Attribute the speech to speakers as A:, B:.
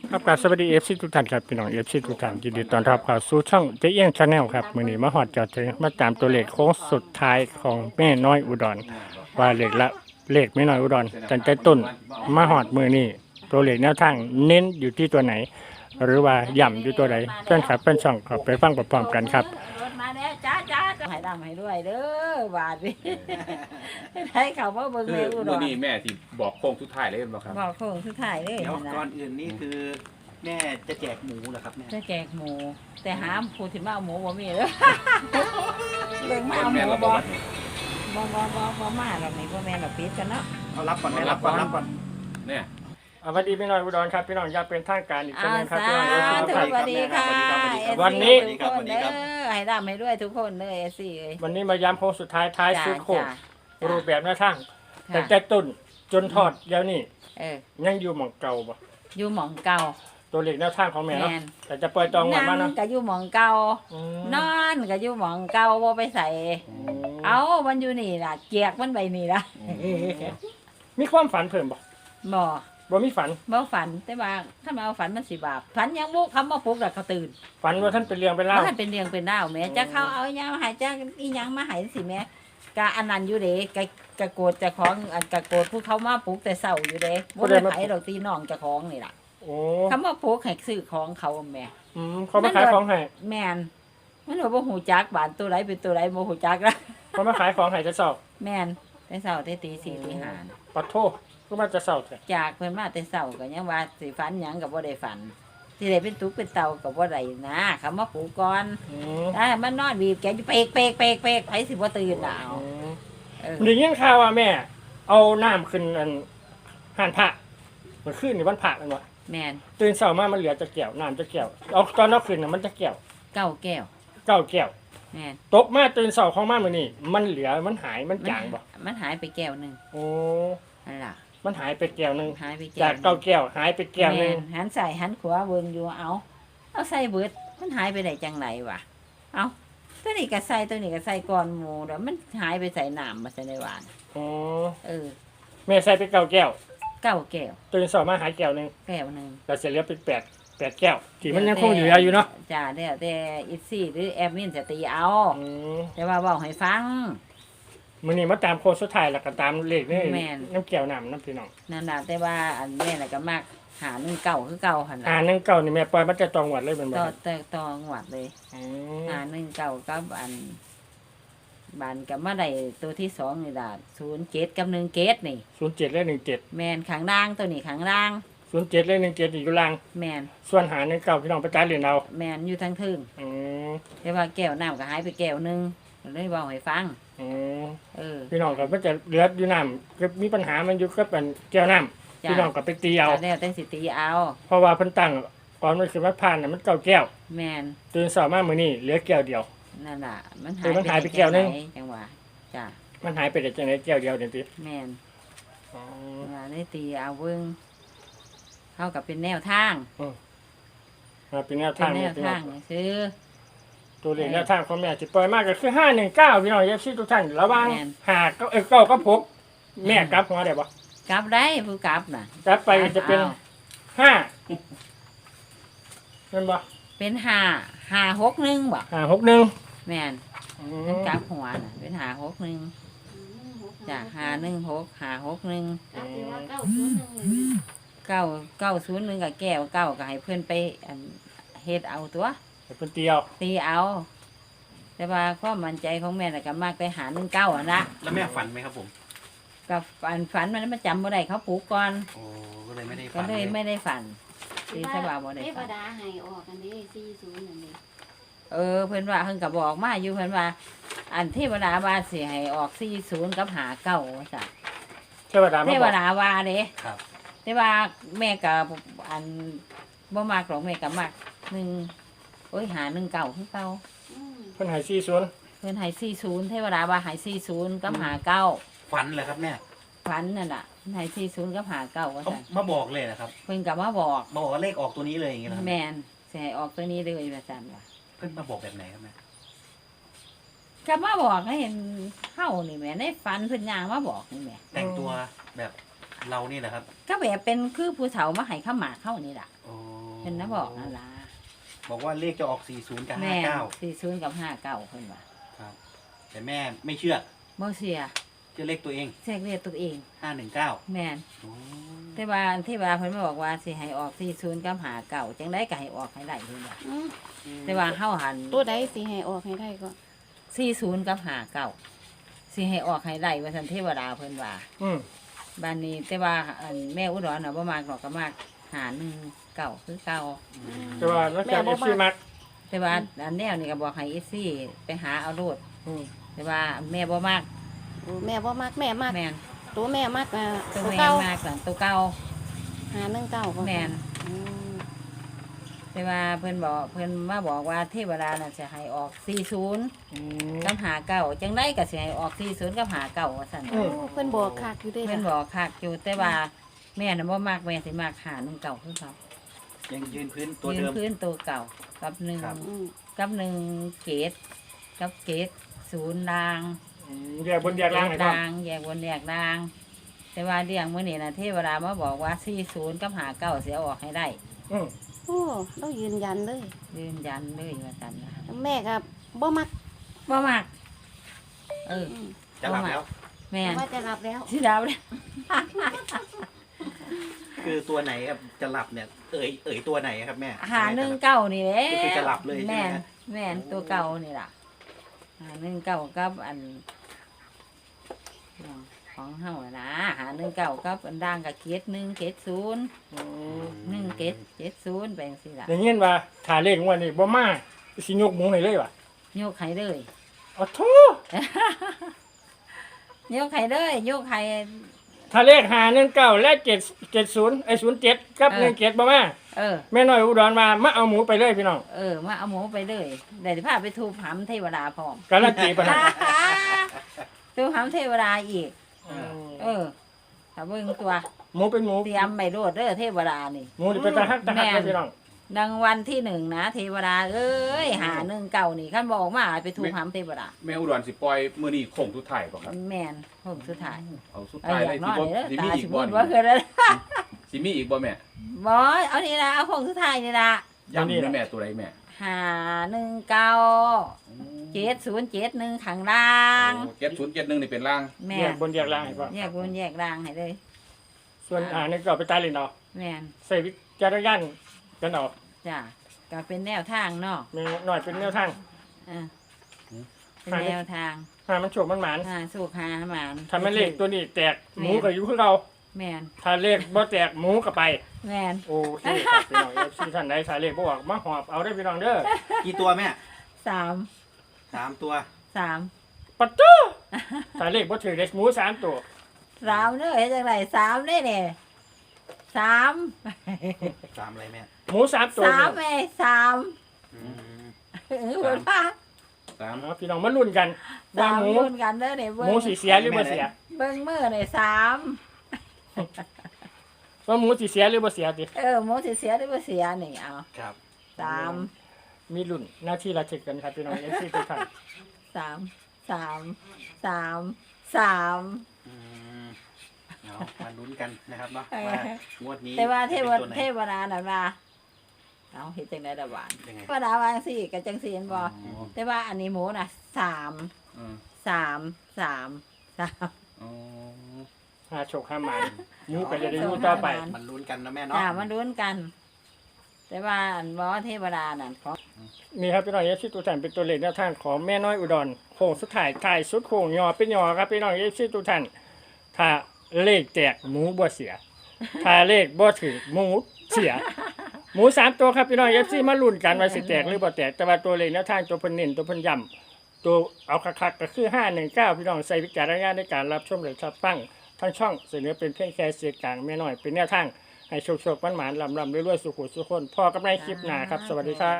A: ครับสวัสดีทุกท่านครับพี่น้องทุกท่านยินดีต้อนรับเข้าสู่ช่องเจ๊เอี้ยงชาแนลครับมื้อนี้มาฮอดจอดถึงมาตามตัวเลขโค้งสุดท้ายของแม่น้อยอุดรว่าเลขแม่น้อยอุดรตั้งแต่ต้นมาฮอดมื้อนี้ตัวเลขแนวทางเน้นอยู่ที่ตัวไหน หรือว่าย่ำอยู่ตัวไหนเพื่อนครับเพื่อนช่องขอไปฟังพร้อมๆกันครับ
B: รถมาแล้วจ้าให้ดำให้ด้วยเด้อบาดนี่ให้เขามาเบิ่ง
C: คื
B: แม่
C: อ
B: อุด
C: มื่อ
B: ร
C: นี้แม่ที่บอกโค้งสุดท้ายเลยเห็นบ่ครับ
B: บอกโค้งสุดท้ายเลย
D: เดี๋ยว
B: นะ
D: ก่อนอื่นนี่คือแม่จะแจกหมูเหรอครับแม่
B: จะแจกหมู แต่หาผู้ที่มาเอาหมูบ่มีเด้อเบิ่งมาเอาห
C: แม่
B: มู
C: เราบ
B: บ่
C: อกว่า
B: บ่มาหรอกนี่บ่แม่นดอกปิดกันเนาะ
D: เอารับก่อนแม่รับก่อนรับก่อน
C: เนี่ย
A: สวัสดีแม่น้อยอุดรครับพี่น้องอยากเป็นทางการอีกครั้งหนึงครับ
B: สา
A: พี่น้อง
B: ธุ
A: ครับ
B: สวัสดีค่ะ
A: วันนี้
B: ทุกคนเด้อให้ดำให้ด้วยทุกคนเด้อสิเอ้ย
A: วันนี้มาย้ำโค้งสุดท้ายท้ายสุดโค้ง
B: จ้า
A: รูปแบบแนวทาง
B: จ้า
A: ตั้งแต่ต้นจนทอดแล้วนี่
B: เออ
A: ยังอยู่หม่องเก่าบ่
B: อยู่หม่องเก่า
A: ตัวเลขแนวทางของแม่เนาะ
B: แม่น
A: แต่จะปล่อยตองวันมา
B: นั่
A: เนาะ
B: งก็อยู่หม่องเก่า
A: อืม
B: นอนก็อยู่หม่องเก่าบ่ไปใส่ เอามันอยู่นี่ล่ะเกียกมันไปนี่ล่ะ
A: มีความฝันเพิ่มบ่
B: บ่
A: บ่มีฝัน
B: บ่ฝันแต่ว่าถ้ามาเอาฝันมันสิบาปฝันยังบุคำว่าปลุกแล้วก็ตื่น
A: ฝันว่าท่านเป็นเรื่องเป็นเล่าว
B: มันเป็นเรื่องเป็นราวแหม่จะเข้าเอาหยังมาให้จะอีหยังมาให้สิแหม่กะอันนั้นอยู่เด้กะโกรธเจ้าของอันกะโกรธผู้เขามาปลุกแต่เช้าอยู่เด้บ่ได้ไผดอกตีน้องเจ้าของนี่ล่ะ
A: โอ้
B: คำว่าปลุกให้ซื้อของเขาแหม่
A: เขามาขายของให้
B: แม่นมันว่าบ่ฮู้จักบ้านตัวใดเป็นตัวใดบ่ฮู้จักละ
A: เขามาขายของให้จะเศร้า
B: แม่นแต่เช้าแต่ตี4ตี5
A: ปัดโทษก็มาจะเศร้าแท้
B: จากเพิ่นมาแต่เช้าก็ยังว่าสิฝันหยังก็บ่ได้ฝันสิได้เป็นตุกเป็นเตาก็บ่ได้นะคำว่าปลูกก่อน
A: อืม
B: มันนอนบีบแกอยู่เปกไผสิบ่ตื่นน่ะเอาเออ
A: ได้ยินข่าวว่าแม่ เอาน้ำขึ้นอันห่านพระมันขึ้นในวันพระแมันวะ
B: แม่น
A: ตื่นเช้ามามันเหลือจะแก้วน้ำจะแก้วเอาตอนเอาขึ้นน่ะมันจะแก้ว
B: เก้าแก้ว
A: เก้าแก้ว
B: แม่น
A: ตกมาตื่นเช้าของมามื้อนี้มันเหลือมันหายมันจางบ่
B: มันหายไปแก้วหนึง
A: โอ้
B: นั่นล่ะ
A: มันหายไปแก้วหนึง
B: หายไป
A: จาก
B: แก้ว
A: เก้าแก้วหายไปแก้วหนึ
B: แม่
A: ง
B: นหันซ้ายหันขวาเบิ่งอยู่เอาใส่เบิดมันหายไปได้จังไหนวะเอาตัวนี้ก็ใส่ตัวนี้ก็ใส่ก่อนหมู่แล้วมันหายไปใส่น้ำมาใส่ในหวาน
A: โอ้
B: เออ
A: แม่ใส่ไปเก้าแก้ว
B: เก้าแก้ว
A: ตื่นเช้ามาหายแก้วหนึง
B: แก้วหนึง
A: เราจะเหลือเป็นแปดแก้วที่มันยังคงอยู่อยู่เนาะ
B: จ้าแล้วแต่อีซี่หรือแอดมินจะตีเอา
A: อืม
B: แต่ว่าบอกให้ฟัง
A: มื้อนี้มาตามโค้งสุดท้ายแล้วก็ตามเลขนี่
B: แม่น
A: น้ำแก้วน้ำพี่น้อง
B: นั่นน่ะแต่ว่าอันแม่น่ะก็มักหา1 9คือเก่าหั่น
A: อ่า
B: น่ะ
A: 1 9นี่แม่ปล่อยมันจะตองหวัดเลยเป็นบ่
B: ต่อ
A: ครับ
B: ต่อหวัดเลย
A: อืม
B: หา1 9กับอันบานกับมาได้ตัวที่2นี่ล่ะ07กับ1เกตนี่
A: 07และ17
B: แม่นข้างล่างตัวนี้ข้างล่าง
A: 07และ17อยู่ล่าง
B: แม่น
A: ส่วนหา19พี่น้องไปจ่ายเหรียญเอา
B: แม่นอยู่ทั้งทึ่ง
A: อืม
B: แต่ว่าแก้วน้ำก็หายไปแก้วหนึงก็เลยเว้าให้ฟัง
A: อืม
B: เออ
A: พี่น้องก็มันจะเหลืออยู่น้ำก็มีปัญหามันอยู่ก็เป็นแก้วน้ำ
B: จ้ะ
A: พี่น้องก็ไปตีเอา
B: ก็แล้วแต่สิตีเอา
A: เพราะว่าเพิ่นตั้งก่อนมันคือว่าผ่านน่ะมัน9แก้ว
B: แม่น
A: ตื่นเช้ามามื้อนี้เหลือแก้วเดียว
B: นั่นน่ะมัน
A: เออมันหายไปแก้วหนึ่ง
B: จังหวะจ้ะ
A: มันหายไปได้จังได๋แก้วเดียวเดี๋ยวติ
B: แม่น
A: อ๋อ
B: ว่าได้ตีเอาเบิ่งเข้ากับเป็นแนวทาง
A: มาเป็นแนว
B: เป็
A: ทาน ง
B: แน
A: นี่
B: ว
A: พี่น้
B: ทา
A: อง
B: งคือ
A: ตัวเลขแนวทางของแม่สิปล่อยมากก็คือ519พี่น้อง FC ทุกท่านระวังหาก็เก้าก็พกแม่กลับหัวได้บ่
B: กลับได้ผู้กลับน่ะ
A: กลับไปจะเป็น
B: อา
A: 5แม่นบ่
B: เป็น5 6 1บ่
A: 561
B: แม่น
A: อื
B: มัน
A: ม
B: กลับหัวน่ะเป็น5 6 1จ้ะ5 1 6 5 6 1 9 9 0 1กับแก้วเก้าก็ให้เพิ่นไปอันเฮ็ดเอาตัว
A: ให้เพิ่นเตียว
B: ตีเอา แต่ว่าความมั่นใจของแม่น่ะก็มากไปหา19อ่ะนะ
D: แล้วแม่ฝันไหมครับผม
B: กับฝันมันจำบ่ได้เขาปลูกก่อน
D: โอ้ก็เลยไม่ได้
B: ก็
D: ฝัน
B: เลยไม่ได้ฝันตีสบาบ่ได้
E: เทว
B: ฝัน
E: ดาให้ออกกันดิ40นั่นดิ
B: เพิ่นว่าเพิ่นก็บอกมาอยู่เพิ่นว่า อันเทวดาว่าสิให้ออก40กับ59ว่าซั่น
A: เทวดามา
B: เท
A: บ
B: ว
A: อก
B: ดาว่าเด้
D: ครับ
B: แต่ว่าแม่ก็อันบ่มักหรอกแม่ก็มัก1โอ้ยหา19คือเก่า
E: อืม
A: เพิ่นให้40
B: เพิ่นให้40เทวดาว่าให้40กับ59
D: ฝันเลยครับแม่
B: ฝันนั่นน่ะเพิ่นให้40กับ59ว่า
D: เขา
B: ซั่น
D: มาบอกเลยนะครับ
B: เพิ่นก็มาบอก
D: บอกว่าเลขออกตัวนี้เลยอย่างเงี้ยนะครับ
B: แม่นสิให้ออกตัวนี้เลยว่าซั่นว่า
D: เพิ่นมาบอกแบบไหนครับแม่
B: ก็มาบอกให้เห็นเฮานี่แหม่ในฝันเพิ่นย่างมาบอกนี่แหม่
D: แต่งตัวแบบเรานี่แหละครับ
B: ก็แบบเป็นคือผู้เฒ่ามาให้ข้าวหมากเข้านี่ล่ะ
D: โอ้
B: เป็นนะบอกนั่นล่ะ
D: บอกว่าเลขจะออก 40 กับ
B: แม่
D: 59
B: 40กับ59เพิ่นว่า
D: ครับ แต่แม่ไม่เชื่อ
B: บ่เสีย
D: เชื่อเลขตัวเอง
B: แทรกเรียกตัวเอง
D: 519
B: แม่น
D: โอ้
B: แต่ว่าที่ว่าเพิ่นมาบอกว่าสิให้ออก40กับ59จังได๋ก็ให้ออกให้ได้เพิ่นว่า
E: อืม
B: แต่ว่าเฮาหัน
E: ตัวใดสิให้ออกให้ได้ก็
B: 40กับ59สิให้ออกให้ได้ว่าซั่นเทวดาเพิ่นว่า
A: อืม
B: บ้านนี้แต่ว่าอันแม่อุดรน่ะบ่มากหรอกก็มาก519คือเก่า
A: แต่ว่าแล้วแต่ FC มัก
B: แต่ว่าอันแนวนี่ก็บอกให้อีซี่ไปหาเอาโลด
A: อืม
B: แต่ว่าแม่บ่มาก
E: โอ้แม่บ่มักแม่มัก
B: แม่น
E: ตัวแม่มัก
B: ตัว
E: ตัว
B: แม่
E: เก่าม
B: ากสั่นตัวเก่า
E: 519ก็
B: แม่น
E: อืม
B: แต่ว่าเพิ่นบอกเพิ่นมาบอกว่าเทวดาน่ะจะให้ออก40
A: อืม
B: กับ59จังได๋ก็สิให้ออก40กับ59ว่าซั่น
A: อื
E: โอ้เพิ่นบอกคักอยู่เด้
B: เพิ่น
E: ล่ะ
B: บอกคักอยู่แต่ว่าแม่น่ะบ่มักแม่สิมัก519คือเขา
D: ยังยืนพื้นตัว
B: ยืน
D: เดิม
B: พื้นตัวเก่ากับ
D: ครับ
E: อืม
B: 1เกตกับเกต0ราง
A: อืมแยกบนแยกล่างให้พร้อม
B: แยกบนแยกล่าง แต่ว่าเรื่องมื้อนี้นะเทวดามาบอกว่า40กับ59สิเอาออกให้ได้
A: อืม
E: โอ้เรายืนยันเลย
B: ยืนยันเลยว่าซั่นนะ
E: แม่ก็บ่มัก
B: บ่มักเออ
E: อืม
D: จะหลับแล้ว
B: แม่น
E: ว่าจะรับแล้ว
B: สิดาวเลย
D: คือตัวไหนครับจะหลับเนี่ย เอ่ยตัวไหนครับแม่
B: 519นี่แหละ
D: ก็คือจะหลับเลยใช่ไหม
B: แม่น
D: ฮะ
B: แม่นตัวเก่านี่ล่ะ519กับอันของเฮาน่ะนะ519กับอันด่างกับเกต1เกต0
A: อืม
B: 1เกต70ไปจังซี่ล่ะ
A: อย่างเงี้ยว่าถ้าเลขงวดนี้บ่มาสิยกหมูให้เลยว่ะ
B: ยกให้เลย
A: อ๋อโท
B: ยกให้เลยยกให้
A: ถ้าเลข519และ770ไอ้07กับ17บ่มา
B: เออ
A: แม่น้อยอุดรมาเอาหมูไปเลยพี่น้อง
B: มาเอาหมูไปเลยเดี๋ยวจะพาไปทูบหำเทวดาพร้อม
A: การันตีปะนะ
B: ทูบหำเทวดาอีก ถ้าเบิ่งตัว
A: หมูเป็นหมู
B: เตรียมไปโลดเด้อเทวดานี่
A: หมูนี่เป็นตาฮักเลยพี่น้อง
B: ดังวันที่1นะเทวดาเอ้ย519นี่ขั้นบอกมาไปทูบหำเทวดา
C: แม่อุดรสิปล่อยมื้อนี้โค้งสุดท้ายบ่ครับ
B: แม่นผมสุดท้าย
C: เอาสุด
B: เอา
C: ท้าย
B: อ
C: เลย
B: ยากน
C: สิ
B: อน
C: บ่
B: เลยเด้อ
C: สิมี
B: ตา
C: อี
B: สิ
C: ก
B: บุ
C: บ่
B: ญ
C: นี่
B: ว่าคือแล้ว
C: สิมีอีกบ่แม่
B: บอเอานี่ละเอาของสุดท้ายนี่ละ
C: ย้ำนี่แม่ตัวใดแม่
B: 519 7071ข้างล่าง
C: 7071นี่เป็นล่าง
B: แม่
A: แย
B: น
A: กบนแยกล่างให้พ่อ
B: แยกบนแยกล่างให้เลย
A: ส่วนนี่ก็ไปตายเลยเนาะ
B: แม่น
A: ใส่วิจารณญาณกันเอา
B: จ้ะก็เป็นแนวทางเนาะ
A: มีหน่อยเป็นแนวทาง
B: อ่าเป็นแนวทาง
A: หามันโฉบมันหมาน
B: สู้หาหมาน
A: ถ้ามันเลขตัวนี้แตกหมูก็อยู่คือเรา
B: แม่น
A: ถ้าเลขบ่แตกหมูก็ไป
B: แม่น
A: โอเคครับพี่น้องFC ท่านใดถ้าเลขบ่ออกมาหอบเอาได้อพี่น้องเด้อ
D: กี่ตัวแม่
B: สาม
D: 3 ตัว
B: สาม
A: ปัดตู้ถ้าเลขบ่ถือเลขหมู3ตัว
B: สามเด้อเฮ็ดจังไดสามเด้เนี่ยสาม
D: 3อะไรแม่
A: หมู3ตัว
B: สามแม่สาม
D: อืม
B: เออเพิ่นว่า
C: 3
A: เอาพี่น้องมาลุ้นกันว่า
B: สาม
A: หมู
B: รุ่นกันเด้อเนี่ย
A: ห
B: เบิ่
A: มู
B: ง
A: สิเสียหรือบ่เสีย
B: เบิ่งมือเนี่ยสาม
A: ว่าหมูสิเสียหรือบ่เสียติ
B: หมูสิเสียหรือบ่เสียนี่เอา
D: ครับ
B: สาม
A: มีลุ้นหน้าที่ระทึกกันครับพี่น้อง FC ทุกท่าน
B: สามสามสามสาม
D: อืมเอามาลุ้นกันนะครับเนาะ
B: เออ
D: ว่างวดนี้
B: แต่ว่าเทว
D: จะป็นตัวไหน
B: เทวดาน่ะว่าเอาเฮ็ดจังได๋ล่ะหวาน
D: ยังไง
B: เทวดาวาจังซี่ก็จังซี่เห็นบ่
C: อ๋อ
B: แต่ว่าอันนี้หมูน่ะสาม
C: อืม
B: สามสามสาม
C: อ๋อ
A: หาโชคหาหมานหมูก็จะได้อยู่ต่อไป
D: มันลุ้นกันนะแม่เนาะ
B: จ้ามาลุ้นกัน แต่ว่าอันบ่เทวดานั่นของ
A: นี่ครับพี่น้องFC ทุกท่านเป็นตัวเลขแนวทางของแม่น้อยอุดรโค้งสุดท้ายท้ายสุดโค้งยอเป็นยอครับพี่น้อง FC ทุกท่านถ้าเลขแตกหมูบ่เสีย ถ้าเลขบ่ถึงหมูเสีย หมู3ตัวครับพี่น้อง FC มาลุ้นกันว่าสิแตกหรือบ่แตกแต่ว่าตัวเลขแนวทางตัวเพิ่นเน้นตัวเพิ่นย้ำตัวเอาคักๆก็คือ519พี่น้องใส่วิจารณญาณในการรับชมหรือรับฟังทั้งช่องเสนอเป็นเพียงแค่เสียงกลางแม่น้อยเป็นแนวทางให้โชคๆหวานๆลำๆรวยๆสุขุสุขคนพอกับในคลิปหน้าครับสวัสดีครับ